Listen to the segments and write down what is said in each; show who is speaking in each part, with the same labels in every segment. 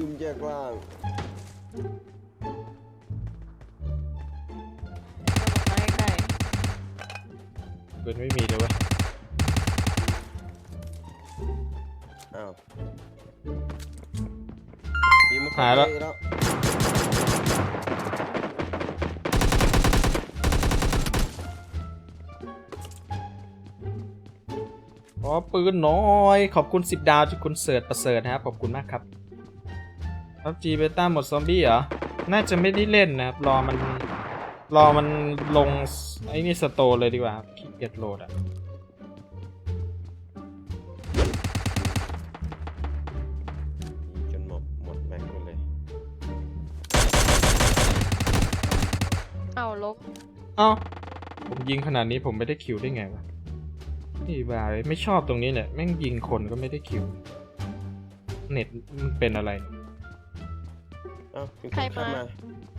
Speaker 1: มแยกล่าง
Speaker 2: มาใกล้
Speaker 3: ปืนไม่มีเลยเว้ย
Speaker 1: อ้าวทีม
Speaker 3: หายแล้ว
Speaker 1: แล้ว
Speaker 3: อ๋อปืนน้อย ขอบคุณ10 ดาวจากคุณเสิร์ชประเสริฐนะครับ ขอบคุณมากครับพับจีเบต้าหมดซอมบี้เหรอ น่าจะไม่ได้เล่นนะครับ รอมันลงไอ้นี่สโตร์เลยดีกว่าครับขี้เกียจโหลดอ่ะ
Speaker 1: จนหมดแม็กซ์ไปเลย
Speaker 2: ๆเอาล้ม
Speaker 3: เอ้าผมยิงขนาดนี้ผมไม่ได้คิวได้ไงวะนี่บ้าเลยไม่ชอบตรงนี้เนี่ยแม่งยิงคนก็ไม่ได้คิว เน็ตมันเป็นอะไร
Speaker 1: เอ้ามีคนเข้ามา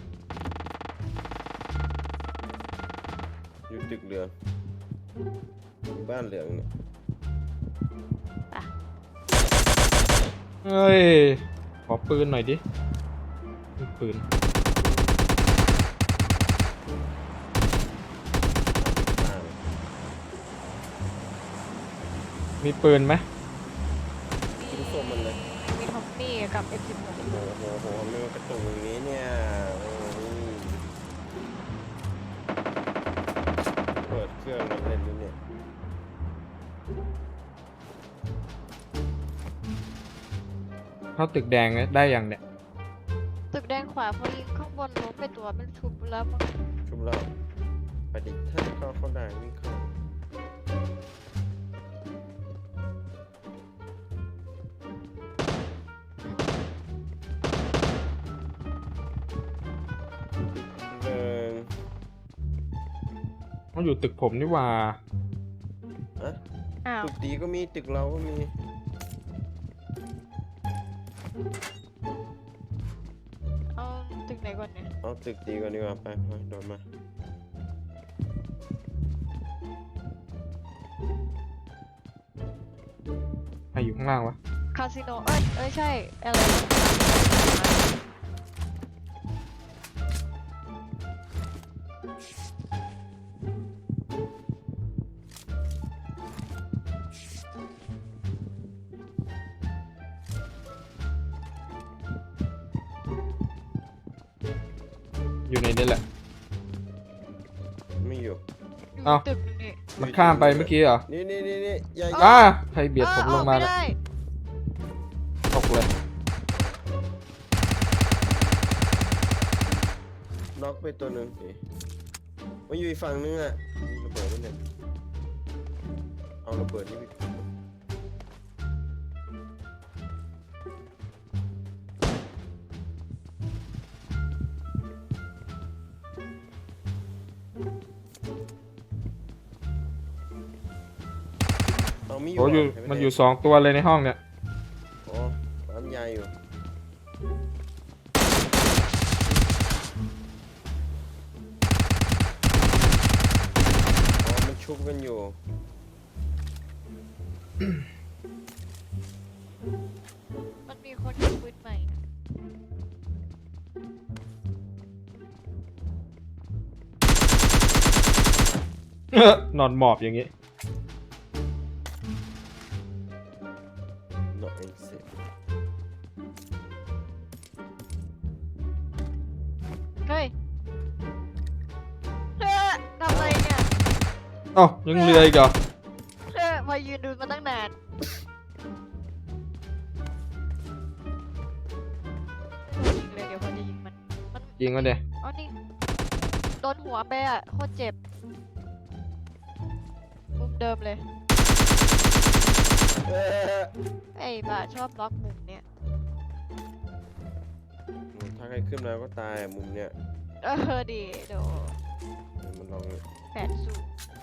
Speaker 1: อยู่ตึกเหลืองอยู่บ้านเหลืองเนี่ย
Speaker 3: เฮ้ย ขอปืนหน่อยดิมีปืน มีปืนไหม
Speaker 1: ทิ้งส้มมันเลย
Speaker 2: มีทอมมี่กับ M16
Speaker 1: โอ้โหไม่ว่ากระตุกอย่างนี้เนี่ยโอ้ยเปิดเครื่องมันเล่นนี่เนี่ย
Speaker 3: เข้าตึกแดงได้ยังเนี่ย
Speaker 2: ตึกแดงขวาพอยิงข้างบนล้มไปตัวเป็นชุบแล้วมั้ง
Speaker 1: ชุบเราไปดิถ้าเข้าได้วิ่งเข้าเดิน
Speaker 3: มันอยู่ตึกผมนี่หว่า
Speaker 1: อะ
Speaker 2: อ้าว
Speaker 1: ตึกดีก็มีตึกเราก็มี
Speaker 2: เอาตึกไหนก่อนเนี่ย
Speaker 1: เอาตึกดีก่อนดีกว่าไปโดนมา
Speaker 3: ใครอยู่ข้างล่างวะ
Speaker 2: คาสิโนเอ้ยใช่อะไร
Speaker 3: อยู่ในนี้แหละ
Speaker 1: ไม่อยู่
Speaker 2: อยู่
Speaker 3: เอ้า
Speaker 2: ตึกนี่
Speaker 3: มันข้ามไปเมื่อกี้เหรอ
Speaker 1: นี่อย่า
Speaker 3: อ้าใครเบียดผมลงมา
Speaker 2: ไม่
Speaker 3: เนี่ย
Speaker 2: ได้
Speaker 3: ตกเลย
Speaker 1: น็อกไปตัวหนึ่งมันอยู่อีกฝั่งนึงอ่ะมีระเบิดด้วยเนี่ยเอาระเบิดนี่ไปเอามี
Speaker 3: โอ้อยู่
Speaker 1: เห็ไห
Speaker 3: มันอยู่2 ตัวเลยในห้องเนี่ย
Speaker 1: โอ้ปั๊มยาอยู่อ๋อมันชุบกันอยู่
Speaker 2: มันมีคนยิงปืนใหม่นะ
Speaker 3: นอนหมอบอย่างงี้
Speaker 1: not insane
Speaker 2: เฮ้ยทำอะไรเนี่ย
Speaker 3: เอ้ายังเรืออีกเหรอ
Speaker 2: มายืนดูมาตั้งนานยิงเลยเดี๋ยวพอจะยิงมัน
Speaker 3: ยิงมันเดี๋ย
Speaker 2: อ๋อนี่โดนหัวไปอ่ะโคตรเจ็บมุมเดิมเลย ไอ้บ้าชอบล็อกมุมเนี่ย
Speaker 1: ถ้าใครขึ้นมาก็ตายอะมุมเนี้ย
Speaker 2: ดีโด
Speaker 1: มันลอง
Speaker 2: แผนสู้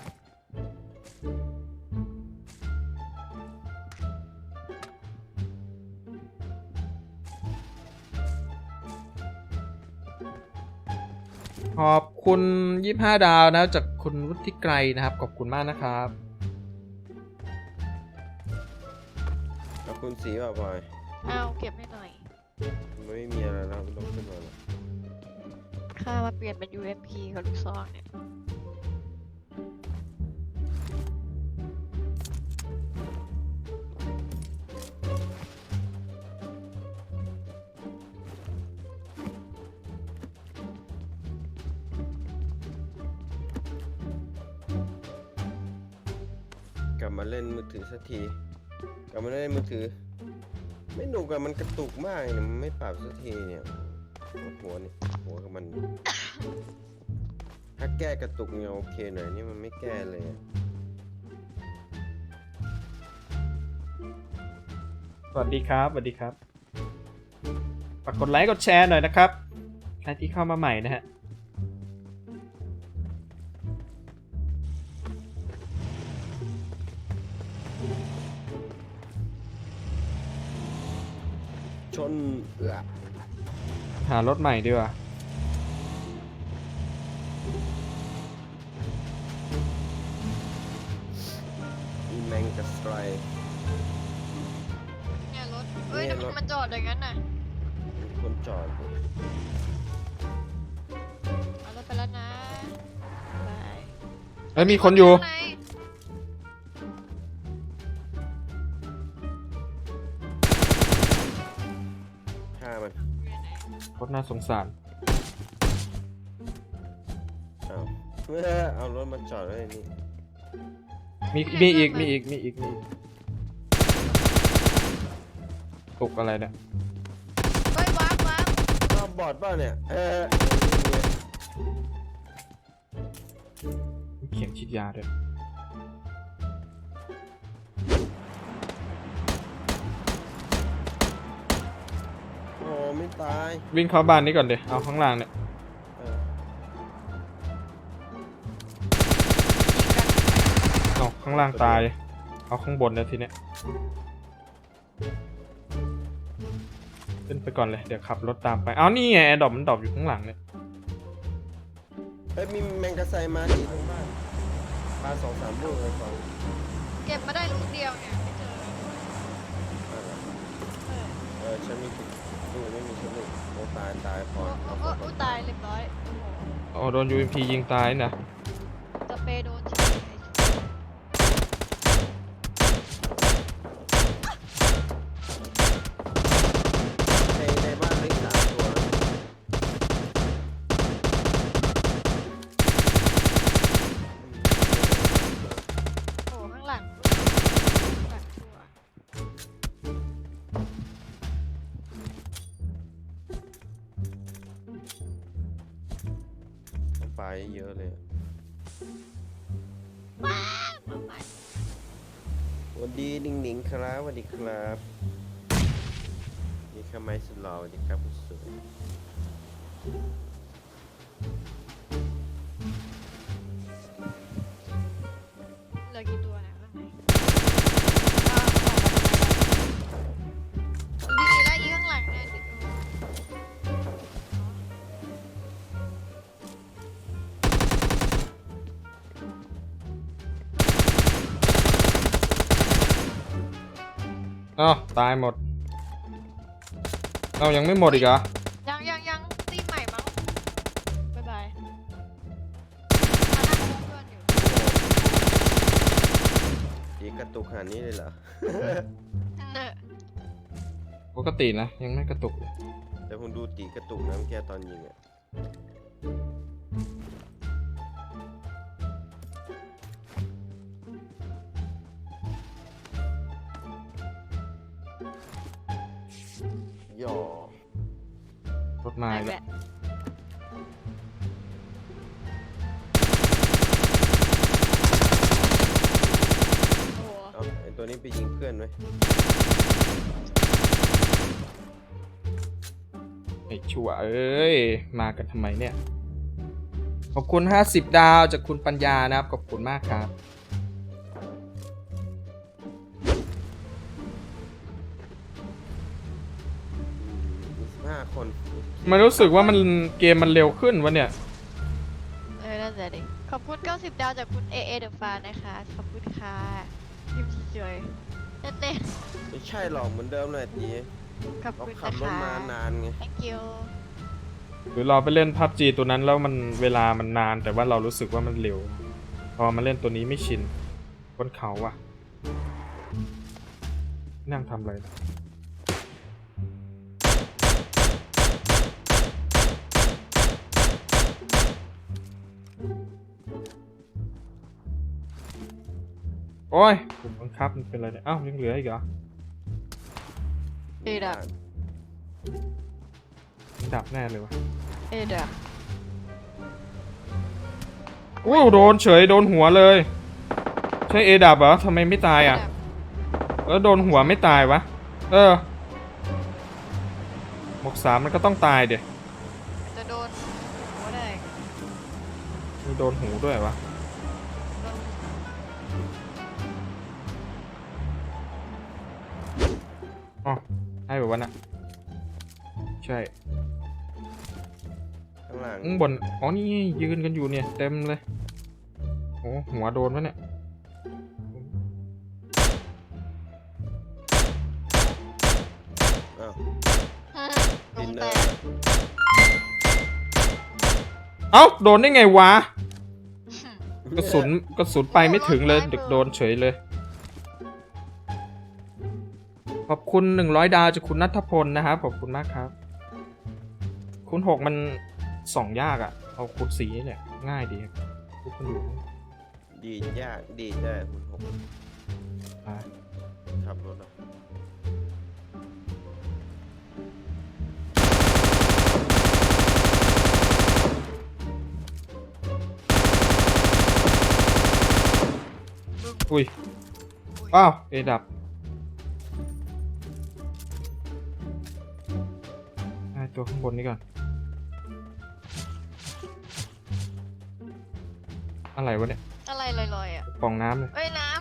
Speaker 3: ขอบคุณ25 ดาวนะจากคุณวุฒิไกรนะครับ ขอบคุณมากนะครับ
Speaker 1: เอาคุณสีป่ะบอย
Speaker 2: เอาเก็บให้หน่อย
Speaker 1: มันไม่มีอะไรแล้วไม่ต้องขึ้นมาแล้ว
Speaker 2: ค่ามาเปลี่ยนเป็น UMP กับลูกซองเนี่ย
Speaker 1: กลับมาเล่นมือถือสักทีกลับมาเล่นมือถือ ไม่หนุกอะมันกระตุกมากเนี่ยมันไม่ปรับสักทีเนี่ยหัวนี่หัวกับมัน ถ้าแก้กระตุกเนี่ยโอเคหน่อยนี่มันไม่แก้เลยอะ
Speaker 3: สวัสดีครับสวัสดีครับฝากกดไลค์กดแชร์หน่อยนะครับใครที่เข้ามาใหม่นะฮะ
Speaker 1: ชน
Speaker 3: หารถใหม่ดีกว่า
Speaker 1: อีแมงกับสไตร
Speaker 2: เนี่ยรถเอ้ย
Speaker 1: เนี่ย
Speaker 2: ทำไม
Speaker 1: รถ
Speaker 2: มันจอดอย่างนั้นน่ะ
Speaker 1: มีคนจอดอยู่
Speaker 2: เอารถไปแล้วนะบาย
Speaker 3: เอ้ยมีคนอยู่
Speaker 2: ข้างใน
Speaker 1: ฆ่ามัน
Speaker 2: อยู่ไหน
Speaker 3: โคตรน่าสงสาร
Speaker 1: เอาเอารถมาจอดไว้นี่
Speaker 3: มีอีกมีอีกมีอีกมีอีกตกอะไรเนี่ย
Speaker 2: เฮ้ยว้าว
Speaker 1: อ้าวบอดเปล่าเนี่ย
Speaker 3: มีเข็มฉีดยาด้วย
Speaker 1: โอ้ไม่ตาย
Speaker 3: วิ่งเข้าบ้านนี้ก่อนเดี๋ยวเอาข้างล่างเนี่ย
Speaker 1: เออ
Speaker 3: เอาข้างล่างตายเอาข้างบนเนี่ยทีเนี้ยขึ้นไปก่อนเลยเดี๋ยวขับรถตามไปเอานี่ไงแอร์ดรอปมันดรอปอยู่ข้างหลังเนี่ย
Speaker 1: เฮ้ยมีแมงกะไซมาดีตรงบ้านปลา2-3 ลูกเลยฝั่ง
Speaker 2: เก็บมาได้ลูกเดียวเนี่ยไม่เจอเออ
Speaker 1: ฉันมีลูกไม่มีฉันลูกโอ้ตายพอ
Speaker 2: โอ้ตายเรียบร้อยโอ้โห
Speaker 3: โดน UMP ยิงตายนะ
Speaker 2: สเปรย์โดนเฉย
Speaker 1: ในบ้านเล็ก3 ตัว
Speaker 2: โอ้ข้างหลังตัว
Speaker 1: ปลาเยอะเลย
Speaker 2: ว้าวมาใหม่
Speaker 1: สวัสดีหนิงๆครับสวัสดีครับนี่ข้าไม้สุดหล่อสวัสดีครับคุณสวย
Speaker 2: เหลือกี่ตัวเนี่ยข้างในอ้าวออกมาทำไมล่ะดีแล้วอีข้างหลังเนี่ยเดี๋ยวดู
Speaker 3: อ้าวตายหมดเอายังไม่หมดอีกเหรอ
Speaker 2: ยังตีใหม่มั้งบ๊ายบายมานั่งคุยเพื่อนอยู่
Speaker 1: ดีกระตุกขนาดนี้เลยเหรอ
Speaker 2: เนอะ
Speaker 3: ปกตินะยังไม่กระตุกเลย
Speaker 1: แต่ผมดูตีกระตุกนะเมื่อกี้ตอนยิงอ่ะย่อ
Speaker 3: รถมา
Speaker 2: ไป
Speaker 3: อีก
Speaker 2: แห
Speaker 3: แล้ว
Speaker 2: ละโอ้โห
Speaker 1: เอาไอตัวนี้ไปยิงเพื่อนไว้
Speaker 3: ไอ้ชั่วเอ้ยมากันทำไมเนี่ยขอบคุณ50 ดาวจากคุณปัญญานะครับขอบคุณมากครับ
Speaker 1: 15 คน
Speaker 3: มันรู้สึกว่ามันเกมมันเร็วขึ้นวะเนี่ย
Speaker 2: นั่นแหละดิขอบคุณ90 ดาวจากคุณ AA The Fan นะคะขอบคุณค่ะยิ้มสวยๆนั่นเอง
Speaker 1: ไม่ใช่หรอกเหมือนเดิมเลยตี
Speaker 2: ขอบ
Speaker 1: เขา
Speaker 2: คุณ
Speaker 1: ขับ
Speaker 2: นะ
Speaker 1: รถ
Speaker 2: คะ
Speaker 1: มานานไง
Speaker 2: thank you
Speaker 3: หรือเราไปเล่นพับจีตัวนั้นแล้วมันเวลามันนานแต่ว่าเรารู้สึกว่ามันเร็ว พอมาเล่นตัวนี้ไม่ชินบนเขาอะนั่งทำอะไรนะโอ้ยผมบังคับมันเป็นอะไรเนี่ยอ้าวยังเหลืออีกเหรอ
Speaker 2: เอดับ
Speaker 3: ดับแน่เลยวะ
Speaker 2: เอดับ
Speaker 3: อู้โดนเฉยโดนหัวเลย ใช่เอดับเหรอทำไมไม่ตายอ่ะแล้วโดนหัวไม่ตายวะหมวก3มันก็ต้องตายเดี๋ย
Speaker 2: จะโดนหัวได้
Speaker 3: มีโดนหูด้วยวะ
Speaker 2: โดน
Speaker 3: อ๋อให้แบบวันน่ะใช่
Speaker 1: ข้างหลัง
Speaker 3: ข้างบนอ๋อนี่ยืนกันอยู่เนี่ยเต็มเลยโอ้หัวโดนวะเนี่ย
Speaker 1: อ้าว
Speaker 2: ล
Speaker 1: ดิ
Speaker 2: ง
Speaker 1: นเน
Speaker 2: แต
Speaker 1: อร์
Speaker 2: ก
Speaker 3: เอ้าโดนได้ไงวะกระสุนไปไม่ถึงเลยเด็กโดนเฉยเลย ขอบคุณ100 ดาวจากคุณณัฐพลนะครับขอบคุณมากครับคูณ6มันส่องยากอะ่ะเอาคูณ4นี่แหละง่ายดีครับทุกคนอยู่
Speaker 1: ดีดยากดีดได้คุณหก
Speaker 3: อ่า
Speaker 1: ขับรถเหรอ
Speaker 3: อุ้ยอ้าวเอดับให้ตัวข้างบนนี้ก่อนอะไรวะเนี่ย
Speaker 2: อะไรลอยๆอ่ะ
Speaker 3: กล่องน้ำเลย
Speaker 2: เอ้ยน้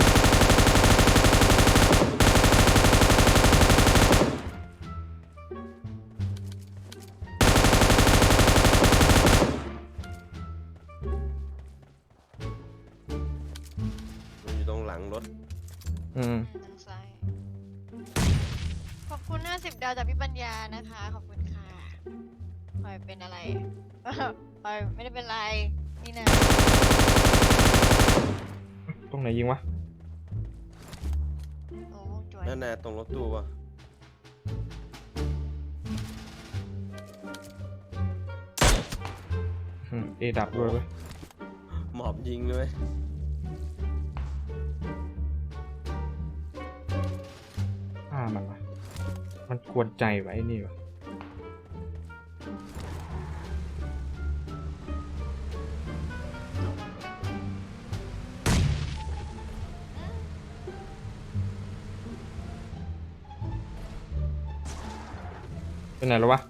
Speaker 1: มันอยู่ตรงหลังรถ
Speaker 3: อืม
Speaker 2: ำทางซ้ายขอบคุณ50 ดาวจากพี่ปัญญานะคะ ขอบคุณค่ะปล่อยเป็นอะไร ปล่อยไม่ได้เป็นไร นี่นะ
Speaker 3: ตรงไหนยิงวะ
Speaker 2: โอ้วงจวย
Speaker 1: นั่นน่ะตรงรถตู้ป่ะ
Speaker 3: เอดับด้วยเว้ย
Speaker 1: หมอบยิงเลย
Speaker 3: ฆ่ามันวะมันควรใจไว้นี่วะเป็นไหนแล้ววะ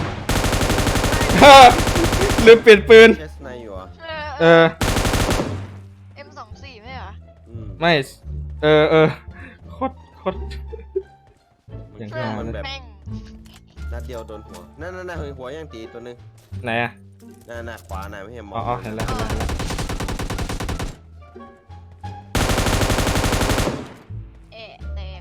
Speaker 3: ลืมเปลี่ยนปืน
Speaker 1: แคสไนอยู่เหรอ
Speaker 3: เออ
Speaker 2: M24 ไม่เหรอ
Speaker 3: ไม่ โคตร
Speaker 1: มัน
Speaker 3: อย่าง
Speaker 1: เครื่อง
Speaker 3: นั้น
Speaker 1: มันแบบ
Speaker 2: แม่ง
Speaker 1: นัดเดียวโดนหัว นั่นหัวย่างตีตัวนึง
Speaker 3: ไหนอะ
Speaker 1: น่ะขวาน่ะไม่เห็นม
Speaker 3: อ๋
Speaker 1: อ
Speaker 3: อง เห็นแล้วเห็นแล้ว
Speaker 2: เอะแตก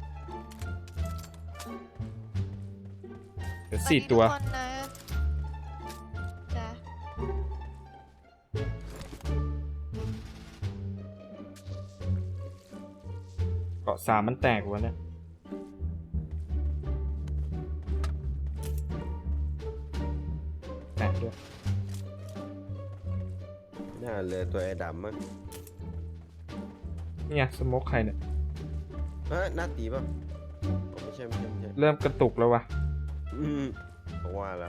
Speaker 3: เดี๋ยว4 ตัว
Speaker 2: สสดีทุกคนนะจ้ะ
Speaker 3: เกาะ3มันแตกวะเนี่ยแตกด้วย
Speaker 1: น่าเลยตัวไอ้ดำมั้ง
Speaker 3: นี่ไงสโมกใครเนี่ย
Speaker 1: หน้าตีป่ะอ๋อไม่ใช่
Speaker 3: เริ่มกระตุกแล้ววะ
Speaker 1: ผมว่าแล้ว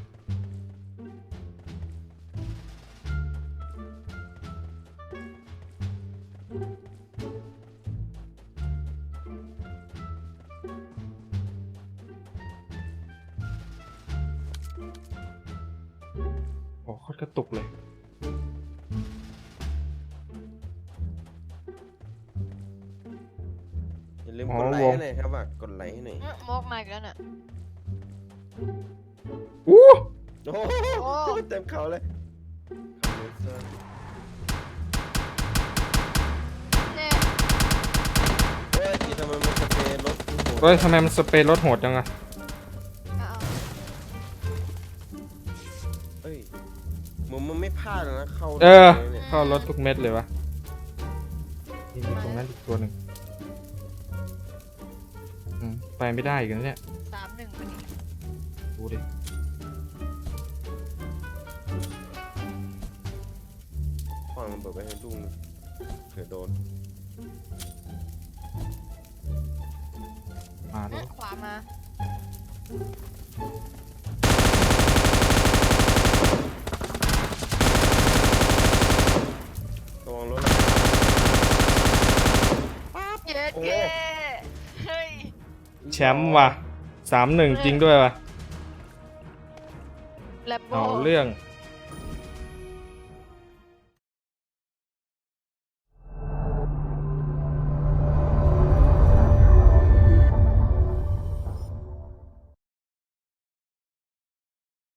Speaker 3: โอ้โคตรกระตุกเลย
Speaker 1: อย่าลืม
Speaker 3: อ๋อก
Speaker 1: ดไลค์
Speaker 3: วง
Speaker 1: ให้หน่อยครับว่ากดไลค์ให้หน่อย
Speaker 2: โมกมาอีกแล้วน่ะ
Speaker 3: อู้
Speaker 1: โอ้โหเต็มเขาเลย
Speaker 2: เน่
Speaker 1: เฮ้ยที่ทำไมมันสเปรย์รถโหด
Speaker 3: เฮ้ยทำไมมันสเปรย์รถโหดจังอะ
Speaker 1: เไม่พลาดเลยนะเข้า
Speaker 3: เออ
Speaker 1: เลยเนี่ย
Speaker 3: เข้ารถทุกเม็ดเลยวะนี่มีตรงนั้นอีกตัวหนึ่งไปไม่ได้อีกันเนี่ย
Speaker 2: 3-1พอดี
Speaker 3: ดูดิ
Speaker 1: ฟังมันเปิดไปให้ลุงเผื่อโดน
Speaker 3: มาแล้ว
Speaker 2: ขวามา
Speaker 1: ระวังรถ
Speaker 2: เย็ดเก้เฮ้ย
Speaker 3: แชมป์ว่ะ3-1จริงด้วยว่ะ
Speaker 2: แลบโบ
Speaker 3: เอาเรื่อง
Speaker 2: เ